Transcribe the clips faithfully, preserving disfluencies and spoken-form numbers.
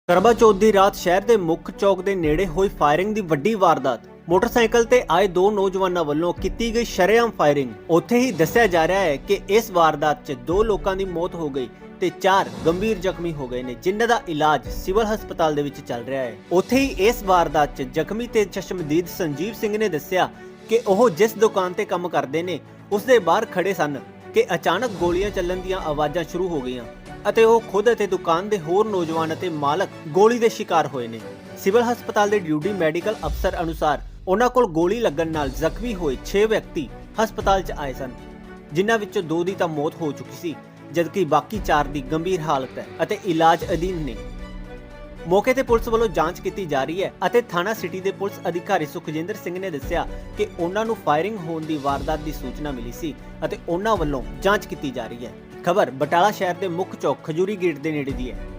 ਕਰਵਾ ਚੌਥ ਦੀ ਰਾਤ ਸ਼ਹਿਰ ਦੇ ਮੁੱਖ ਚੌਕ ਦੇ ਨੇੜੇ ਹੋਈ ਫਾਇਰਿੰਗ ਦੀ ਵੱਡੀ ਵਾਰਦਾਤ। ਮੋਟਰਸਾਈਕਲ ਤੇ ਆਏ ਦੋ ਨੌਜਵਾਨਾਂ ਵੱਲੋਂ ਕੀਤੀ ਗਈ ਸ਼ਰੇਆਮ ਫਾਇਰਿੰਗ। ਉੱਥੇ ਹੀ ਦੱਸਿਆ ਜਾ ਰਿਹਾ ਹੈ ਕਿ ਇਸ ਵਾਰਦਾਤ 'ਚ ਦੋ ਲੋਕਾਂ ਦੀ ਮੌਤ ਹੋ ਗਈ ਤੇ ਚਾਰ ਗੰਭੀਰ ਜ਼ਖਮੀ ਹੋ ਗਏ ਨੇ, ਜਿਨ੍ਹਾਂ ਦਾ ਇਲਾਜ ਸਿਵਲ ਹਸਪਤਾਲ ਦੇ ਵਿੱਚ ਚੱਲ ਰਿਹਾ ਹੈ। ਉੱਥੇ ਹੀ ਇਸ ਵਾਰਦਾਤ 'ਚ ਜ਼ਖਮੀ ਤੇ ਚਸ਼ਮਦੀਦ ਸੰਜੀਵ ਸਿੰਘ ਨੇ ਦੱਸਿਆ ਕਿ ਉਹ ਜਿਸ ਦੁਕਾਨ ਤੇ ਕੰਮ ਕਰਦੇ ਨੇ ਉਸ ਦੇ ਬਾਹਰ ਖੜੇ ਸਨ ਕਿ ਅਚਾਨਕ ਗੋਲੀਆਂ ਚੱਲਣ ਦੀਆਂ ਆਵਾਜ਼ਾਂ ਸ਼ੁਰੂ ਹੋ ਗਈਆਂ ਅਤੇ ਉਹ ਖੁਦ ਅਤੇ ਦੁਕਾਨ ਦੇ ਹੋਰ ਨੌਜਵਾਨ ਅਤੇ ਮਾਲਕ ਗੋਲੀ ਦੇ ਸ਼ਿਕਾਰ ਹੋਏ ਨੇ। ਸਿਵਲ ਹਸਪਤਾਲ ਦੇ ਡਿਊਟੀ ਮੈਡੀਕਲ ਅਫਸਰ ਅਨੁਸਾਰ ਉਹਨਾਂ ਕੋਲ ਗੋਲੀ ਲੱਗਣ ਨਾਲ ਜ਼ਖਮੀ ਹੋਏ ਛੇ ਵਿਅਕਤੀ ਹਸਪਤਾਲ 'ਚ ਆਏ ਸਨ, ਜਿਨ੍ਹਾਂ ਵਿੱਚੋਂ ਦੋ ਦੀ ਤਾਂ ਮੌਤ ਹੋ ਚੁੱਕੀ ਸੀ, ਜਦਕਿ ਬਾਕੀ ਚਾਰ ਦੀ ਗੰਭੀਰ ਹਾਲਤ ਹੈ ਅਤੇ ਇਲਾਜ ਅਧੀਨ ਨੇ। ਮੌਕੇ ਤੇ ਪੁਲਿਸ ਵੱਲੋਂ ਜਾਂਚ ਕੀਤੀ ਜਾ ਰਹੀ ਹੈ ਅਤੇ ਥਾਣਾ ਸਿਟੀ ਦੇ ਪੁਲਿਸ ਅਧਿਕਾਰੀ ਸੁਖਜਿੰਦਰ ਸਿੰਘ ਨੇ ਦੱਸਿਆ ਕਿ ਉਹਨਾਂ ਨੂੰ ਫਾਇਰਿੰਗ ਹੋਣ ਦੀ ਵਾਰਦਾਤ ਦੀ ਸੂਚਨਾ ਮਿਲੀ ਸੀ ਅਤੇ ਉਹਨਾਂ ਵੱਲੋਂ ਜਾਂਚ ਕੀਤੀ ਜਾ ਰਹੀ ਹੈ। ਖਬਰ ਬਟਾਲਾ ਸ਼ਹਿਰ ਦੇ ਮੁੱਖ ਚੌਕ ਖਜੂਰੀ ਗੇਟ ਦੇ ਨੇੜੇ ਦੀ ਹੈ।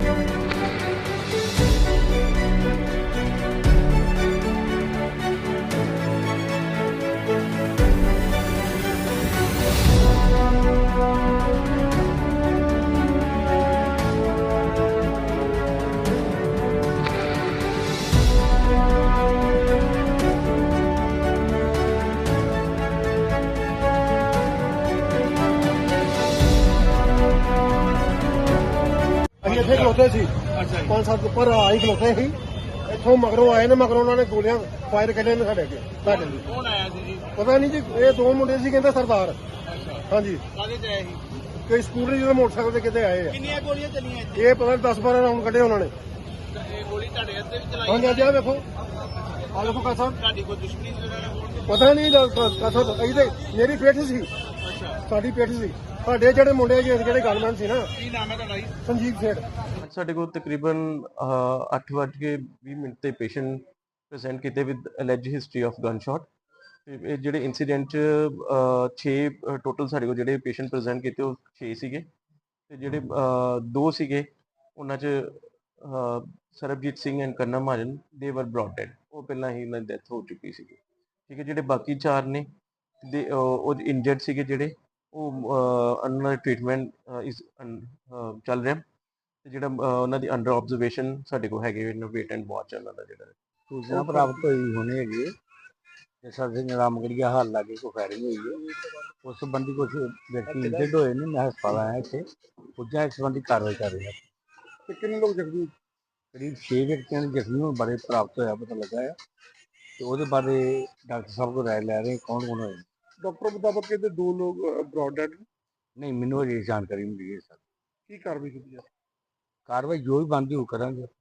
ਅਸੀਂ ਇੱਥੇ ਖਲੋਤੇ ਸੀ। ਪੰਜ ਸੱਤ ਉੱਪਰ ਆਈ ਖਲੋਤੇ ਸੀ। ਇੱਥੋਂ ਮਗਰੋਂ ਆਏ ਨੇ, ਮਗਰੋਂ ਉਹਨਾਂ ਨੇ ਗੋਲੀਆਂ ਫਾਇਰ ਕੱਢੇ ਨੇ ਸਾਡੇ ਅੱਗੇ। ਸਾਡੇ ਲਈ ਕੌਣ ਆਇਆ ਸੀ ਜੀ? ਪਤਾ ਨਹੀਂ ਜੀ, ਇਹ ਦੋ ਮੁੰਡੇ ਸੀ, ਕਹਿੰਦੇ ਸਰਦਾਰ। ਅੱਛਾ, ਹਾਂਜੀ, ਕਾਹਦੇ ਚ ਆਇਆ ਸੀ? ਕੋਈ ਸਕੂਟਰੀ ਜਿਹਦੇ ਮੋਟਰਸਾਈਕਲ ਤੇ ਕਿਤੇ ਆਏ ਆ। ਕਿੰਨੀਆਂ ਗੋਲੀਆਂ ਚੱਲੀਆਂ ਇੱਥੇ? ਇਹ ਪਤਾ ਨਹੀਂ ਦਸ ਬਾਰਾਂ ਰਾਉਂਡ ਕੱਢੇ ਉਹਨਾਂ ਨੇ। ਤਾਂ ਇਹ ਗੋਲੀ ਤੁਹਾਡੇ ਹੱਥੇ ਵੀ ਚਲਾਈ? ਹਾਂਜੀ ਹਾਂਜੀ, ਆਹ ਵੇਖੋ, ਆਹ ਵੇਖੋ ਕਾ ਸਾਹਿਬ। ਤੁਹਾਡੀ ਕੋਈ ਦੁਸ਼ਮਣੀ ਸੀ ਉਹਨਾਂ ਨਾਲ? ਪਤਾ ਨਹੀਂ ਕਾ ਸਾਹਿਬ, ਅਸੀਂ ਤੇ ਮੇਰੀ ਪਿੱਠ ਸੀ, ਅੱਛਾ, ਸਾਡੀ ਪਿੱਠ ਸੀ। ਸਾਡੇ ਜਿਹੜੇ ਮੁੰਡੇ ਜੀ ਜਿਹੜੇ ਗਨਮੈਨ ਸੀ ਨਾ, ਕੀ ਨਾਮ ਹੈ ਤੁਹਾਡਾ ਜੀ? ਸੰਜੀਵ ਸੇਠ। ਸਾਡੇ ਕੋਲ ਤਕਰੀਬਨ ਅੱਠ ਵੱਜ ਕੇ ਵੀਹ ਮਿੰਟ ਤੇ ਪੇਸ਼ੈਂਟ ਪ੍ਰੈਜ਼ੈਂਟ ਕੀਤੇ with alleged history of gun shot. ਤੇ ਇਹ ਜਿਹੜੇ ਇਨਸੀਡੈਂਟ ਚ ਛੇ ਟੋਟਲ ਸਾਡੇ ਕੋਲ ਜਿਹੜੇ ਪੇਸ਼ੈਂਟ ਪ੍ਰੈਜ਼ੈਂਟ ਕੀਤੇ ਉਹ ਛੇ ਸੀਗੇ ਤੇ ਜਿਹੜੇ ਅਹ, ਦੋ ਸੀਗੇ ਉਹਨਾਂ ਚ ਅਹ, ਸਰਬਜੀਤ ਸਿੰਘ ਐਂਡ ਕੰਨਾ ਮਹਾਜਨ ਦੇ ਵਰ ਬ੍ਰੌਟ ਡੈਡ, ਉਹ ਪਹਿਲਾਂ ਹੀ ਉਹਨਾਂ ਦੀ ਡੈਥ ਹੋ ਚੁੱਕੀ ਸੀਗੀ। ਠੀਕ ਹੈ, ਜਿਹੜੇ ਬਾਕੀ ਚਾਰ ਨੇ ਦੇ ਉਹ ਇੰਜਰਡ ਸੀਗੇ, ਜਿਹੜੇ ਉਹ ਉਹਨਾਂ ਦਾ ਟ੍ਰੀਟਮੈਂਟ ਇਸ ਚੱਲ ਰਿਹਾ ਤੇ ਜਿਹੜਾ ਉਹਨਾਂ ਦੀ ਅੰਡਰ ਆਬਜ਼ਰਵੇਸ਼ਨ ਸਾਡੇ ਕੋਲ ਹੈਗੇ ਵੇਟ ਐਂਡ ਵਾਚ ਉਹਨਾਂ ਦਾ ਜਿਹੜਾ ਸੂਚਨਾ ਪ੍ਰਾਪਤ ਹੋਈ ਹੋਣੀ ਹੈਗੀ ਹੈ ਕਿ ਸਾਡੇ ਰਾਮਗੜੀਆ ਹਾਲ ਲਾਗੇ ਕੋਈ ਫਾਇਰਿੰਗ ਹੋਈ ਹੈ। ਉਸ ਸੰਬੰਧੀ ਕੁਝ ਵਿਅਕਤੀ ਇੰਜਰਡ ਹੋਏ ਨੇ। ਮੈਂ ਹਸਪਤਾਲ ਆਇਆ ਇੱਥੇ, ਪੁੱਜਾ ਇਸ ਸੰਬੰਧੀ ਕਾਰਵਾਈ ਕਰ ਰਿਹਾ। ਤੇ ਕਿੰਨੇ ਲੋਕ ਜ਼ਖਮੀ? ਕਰੀਬ ਛੇ ਵਿਅਕਤੀਆਂ ਦੇ ਜ਼ਖਮੀ ਹੋਣ ਬਾਰੇ ਪ੍ਰਾਪਤ ਹੋਇਆ, ਪਤਾ ਲੱਗਾ ਹੈ ਤੇ ਉਹਦੇ ਬਾਰੇ ਡਾਕਟਰ ਸਾਹਿਬ ਕੋਲ ਰਾਏ ਲੈ ਰਹੇ ਕੌਣ ਕੌਣ ਹੋਏ। ਡਾਕਟਰ ਮੁਤਾਬਕ ਕਹਿੰਦੇ ਦੋ ਲੋਕ ਬ੍ਰੌਡ ਡੈਡ। ਨਹੀਂ, ਮੈਨੂੰ ਅਜੇ ਜਾਣਕਾਰੀ ਮਿਲੀ ਹੈ ਸਰ। ਕੀ ਕਾਰਵਾਈ ਕੀਤੀ ਜਾ? ਕਾਰਵਾਈ ਜੋ ਵੀ ਬਣਦੀ ਉਹ ਕਰਾਂਗੇ।